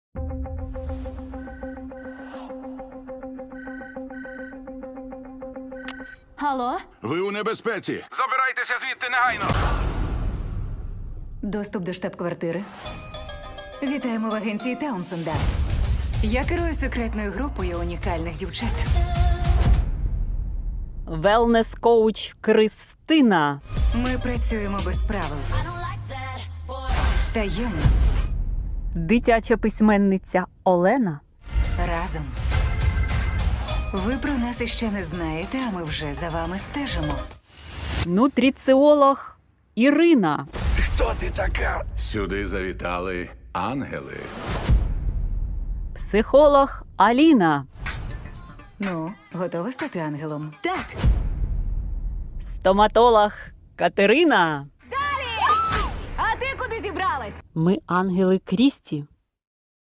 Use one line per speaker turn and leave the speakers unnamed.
Алло?
Ви у небезпеці.
Забирайтеся звідти негайно!
Доступ до штаб-квартири. Вітаємо в агенції Таунсенда. Я керую секретною групою унікальних дівчат.
Велнес-коуч Кристина.
Ми працюємо без правил. Таємно.
Дитяча письменниця Олена.
Разом. Ви про нас іще не знаєте, а ми вже за вами стежимо.
Нутриціолог Ірина.
Хто ти така? Сюди завітали ангели.
Психолог Аліна.
Ну, готова стати ангелом?
Так. Стоматолог Катерина.
А ти куди зібралась?
Ми ангели Крісті.